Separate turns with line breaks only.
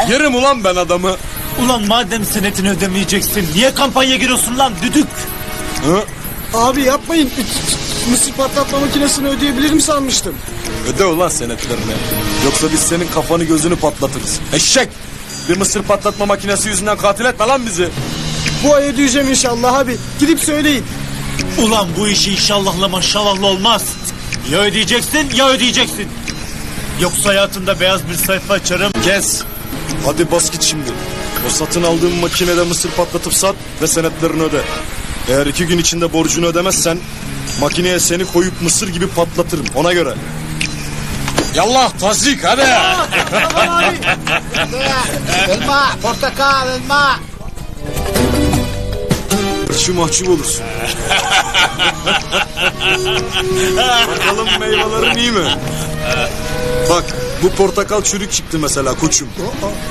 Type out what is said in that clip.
Yerim ulan ben adamı.
Ulan madem senetini ödemeyeceksin niye kampanya giriyorsun lan düdük?
Hı?
Abi yapmayın. Mısır patlatma makinesini ödeyebilirim sanmıştım.
Öde ulan senetlerini. Yoksa biz senin kafanı gözünü patlatırız. Eşek! Bir mısır patlatma makinesi yüzünden katil etme lan bizi.
Bu ay ödeyeceğim inşallah abi. Gidip söyleyin.
Ulan bu işi inşallahla maşallahla olmaz. Ya ödeyeceksin ya ödeyeceksin. Yoksa hayatında beyaz bir sayfa açarım.
Kes! Hadi bas git şimdi. O satın aldığın makinede mısır patlatıp sat ve senetlerini öde. Eğer 2 gün içinde borcunu ödemezsen makineye seni koyup mısır gibi patlatırım, ona göre. Yallah tasdik hadi.
Tamam abi.
Elma, portakal, elma.
Hırçı mahcup olursun. Bakalım meyvelerin iyi mi? Bak bu portakal çürük çıktı mesela koçum.